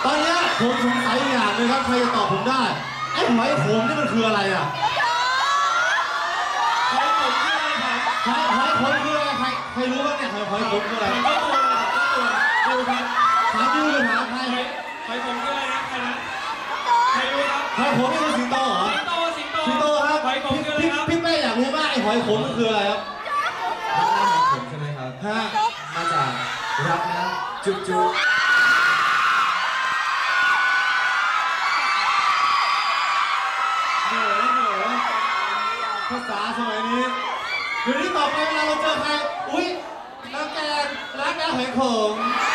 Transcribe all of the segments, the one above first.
ตอนนี้ผมสงสัยอย่างนึงครับใครจะตอบผมได้ไอ้หอยขมนี่มันคืออะไรอ่ะหอยขมคืออะไรครับหอยขมคืออะไรใครรู้บ้างเนี่ยหอยขมคืออะไรก็ตัวดูครับถามยูหรือถามใครหอยขมคืออะไรนะใครนะใครรู้ครับหอยขมนี่คือสิงโตเหรอสิงโตครับหอยขมคืออะไรครับพี่เป้อยากรู้มากไอ้หอยขมมันคืออะไรครับผมใช่ไหมครับฮะมาจากรักนะจุ๊บจุ๊บภาษาสมัยนี้เดี๋ยวนี้ต่อไปเวลาเราเจอใครอุ๊ยน้ำแกงรักนะหอยขม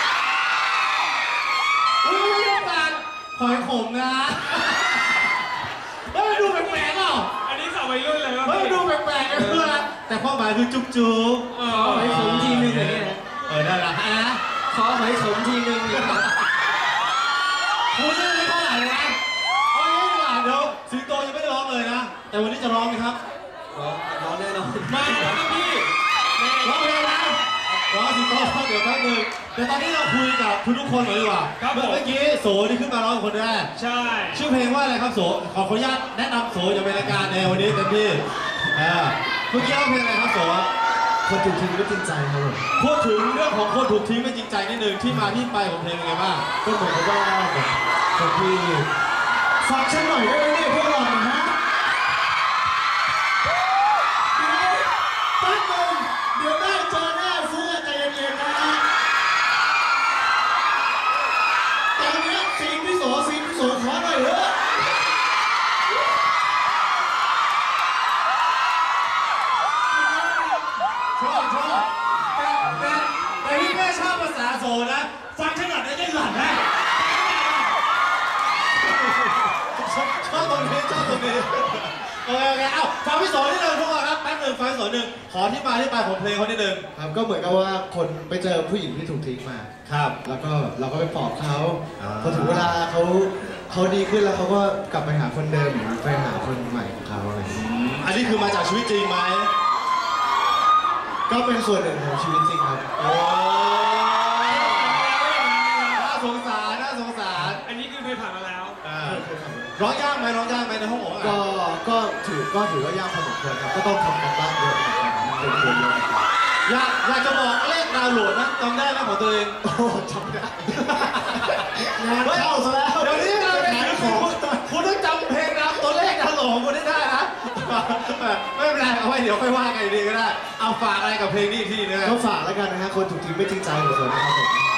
อุ๊ยไม่ต้องการหอยขมนะเฮ้ยมันดูแปลกๆเปล่าอันนี้สาววัยรุ่นเลยครับเฮ้ยมันดูแปลกๆกันเพื่อนแต่ความหมายคือจุ๊บจุ๊บหอยขมทีนึงอย่างเงี้ยนะได้ละฮะขอหอยขมทีนึงอย่างเงี้ยคุณนี่ไม่เท่าไหร่นะเอางี้ดีกว่าเดี๋ยวสิงโตยังไม่ได้ร้องเลยนะแต่วันนี้จะร้องไหมครับร้องแน่นอนมาแล้วครับพี่ร้องเพลงนะร้องสิงโตร้องเดี๋ยวแป๊บนึงแต่ตอนนี้เราคุยกับทุกคนหน่อยดีกว่าเมื่อกี้โสที่ขึ้นมาร้องคนแรกใช่ชื่อเพลงว่าอะไรครับโสขออนุญาตแนะนำโสอย่างเป็นรายการในวันนี้เต็มที่เมื่อกี้ร้องเพลงอะไรครับโสคนถูกทิ้งไม่จริงใจครับผมพูดถึงเรื่องของคนถูกทิ้งไม่จริงใจนิดนึงที่มาที่ไปของเพลงเป็นไงบ้างก็เหมือนกับว่าคนที่ฝากฉันหน่อยได้ไหมเนี่ยพวกเรานะฮะแป๊บนึงเดี๋ยวได้เจอหน้าซื้อใจเย็นๆนะฮะตอนนี้ซีนพี่โสขอหน่อยเถอะชอบแต่พี่แม่ชอบภาษาโสนะฟังขนาดนี้ยังหลั่นนะชอบตรงนี้โอเคเอ้าฟังพี่โสนิดนึงทุกคนครับแป๊บนึงฟังพี่โสหนึ่งขอที่มาที่ไปของเพลงเขานิดนึงครับก็เหมือนกับว่าคนไปเจอผู้หญิงที่ถูกทิ้งมาครับแล้วก็เราก็ไปปลอบเขาอ่าพอถึงเวลาเขาดีขึ้นแล้วเขาก็กลับไปหาคนเดิมหรือไปหาคนใหม่ของเขาอะไรอย่างเงี้ยอันนี้คือมาจากชีวิตจริงไหมก็เป็นส่วนหนึ่งของชีวิตจริงครับโอ้น่าสงสารน่าสงสารอันนี้คือเคยผ่านมาแล้วร้องยากไหมร้องยากไหมในห้องของก็ถือว่ายากพอสมควรครับก็ต้องทำกันบ้านเยอะเหมือนกันเป็นตัวเยอะอยากจะบอกเลขดาวน์โหลดนะจำได้ไหมของตัวเองโอ้จำได้งานเข้าซะแล้วเดี๋ยวนี้เราขายของคุณต้องจำเพลงนำตัวเลขดาวน์โหลดของคุณได้นะไม่เป็นไรเอาไว้เดี๋ยวค่อยว่ากันดีก็ได้เอาฝากอะไรกับเพลงนี้อีกทีนึงก็ฝากแล้วกันนะฮะคนถูกทิ้งไม่จริงใจของผมนะครับผม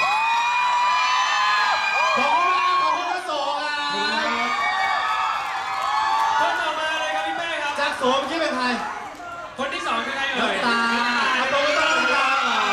ขอบคุณมากขอบคุณทั้งสองอ่ะคนต่อมาเลยครับพี่เป้ครับจากโสมคิดเป็นใครคนที่สองคือใครเอ่ยน้ำตาเอาตัวไม่ต้องน้ำตา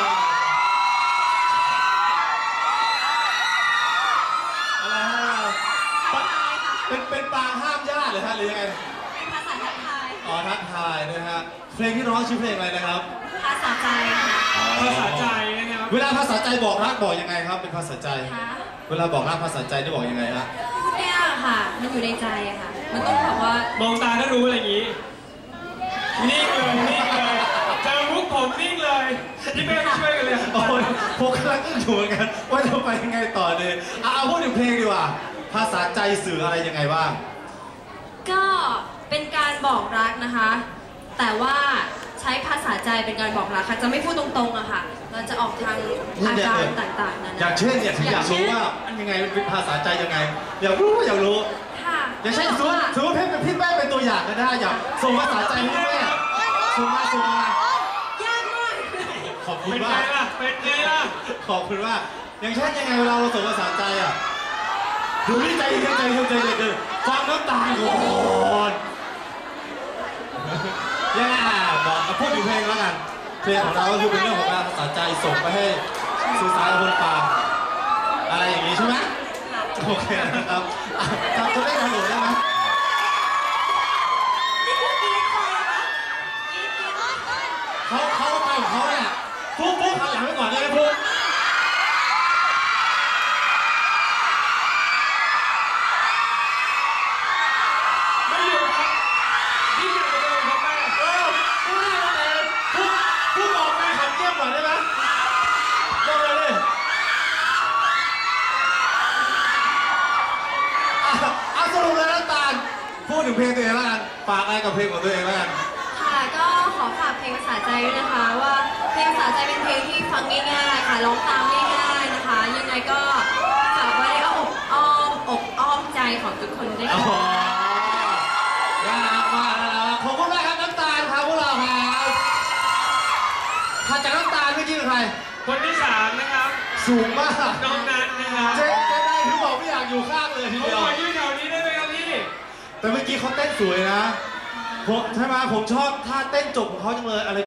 อะไรฮะเป็นปางห้ามญาติหรือฮะหรือยังไงเป็นภาษาทักทายอ๋อทักทายนะฮะเพลงที่ร้องชื่อเพลงอะไรนะครับภาษาใจค่ะภาษาใจนะครับเวลาภาษาใจบอกรักบอกยังไงครับ เป็นภาษาใจคะเวลาบอกรักภาษาใจได้บอกยังไงฮะพูดยากค่ะ มันอยู่ในใจอะค่ะ มันต้องแบบว่ามองตาก็รู้อะไรอย่างนี้นิ่งเลยเจอมุกผมนิ่งเลยพี่เป้ไม่ช่วยกันเลยโอ้ยผมกำลังอยู่เหมือนกันว่าจะไปยังไงต่อดีเอาพูดถึงเพลงดีกว่า ภาษาใจสื่ออะไรยังไงบ้างก็เป็นการบอกรักนะคะ แต่ว่าใช้ภาษาใจเป็นการบอกรักค่ะ จะไม่พูดตรงๆอะค่ะ เราจะออกทางอาการต่างๆนั่นอย่างเช่นเนี่ยถึงอยากรู้ว่ามันยังไงเป็นภาษาใจยังไง อยากรู้ค่ะอย่างเช่นสมมติพี่แม่เป็นตัวอย่างก็ได้อยากส่งภาษาใจให้พี่แม่ส่งมายากมากขอบคุณเป็นไงมากล่ะเป็นไงล่ะขอบคุณมากอย่างเช่นยังไงเวลาเราส่งภาษาใจอ่ะดูนี่ใจเย็นฟังน้ำตาก่อนยังไงบอกพูดถึงเพลงแล้วกันเพลงของเราก็คือเป็นเรื่องของการภาษาใจส่งไปให้สื่อสารกับคนฟังอะไรอย่างนี้ใช่ไหมโอเคนะครับจำตัวเลขดาวน์โหลดได้ไหมนี่คือกรี๊ดเลยนะกรี๊ดเขาไปของเขาเนี่ยฟุ๊กหันหลังไปก่อนได้ไหมฟุ๊กไม่อยู่ครับยิ่งใหญ่กว่าเดิมครับแม่ฟุ๊กให้เราเองฟุ๊กบอกไปขันเงียบก่อนได้ไหมบอกเลยดิดถึงเพลงตัวเองแล้วกันฝากอะไรกับเพลงของตัวเองแล้วกันค่ะก็ขอฝากเพลงภาษาใจด้วยนะคะ ว่าเพลงภาษาใจเป็นเพลงที่ฟังง่ายๆค่ะร้องตามง่ายๆนะคะ ยังไงก็ฝากไว้ในอ้อมใจของทุกคนด้วยอ๋อค่ะน่ารักมากนะครับขอบคุณมากครับน้ำตาลครับพวกเราครับถัดจากน้ำตาลเมื่อกี้เป็นใครคนที่สามนะครับสูงมากน้องนัทนะครับเจ๊ได้ถึงบอกไม่อยากอยู่ข้างเลยทีผมเดียขวอยืนแถวนี้ได้ไหมครับพี่แต่เมื่อกี้เขาเต้นสวยนะผมใช่ไหมผมชอบท่าเต้นจบของเขาจังเลยอะไร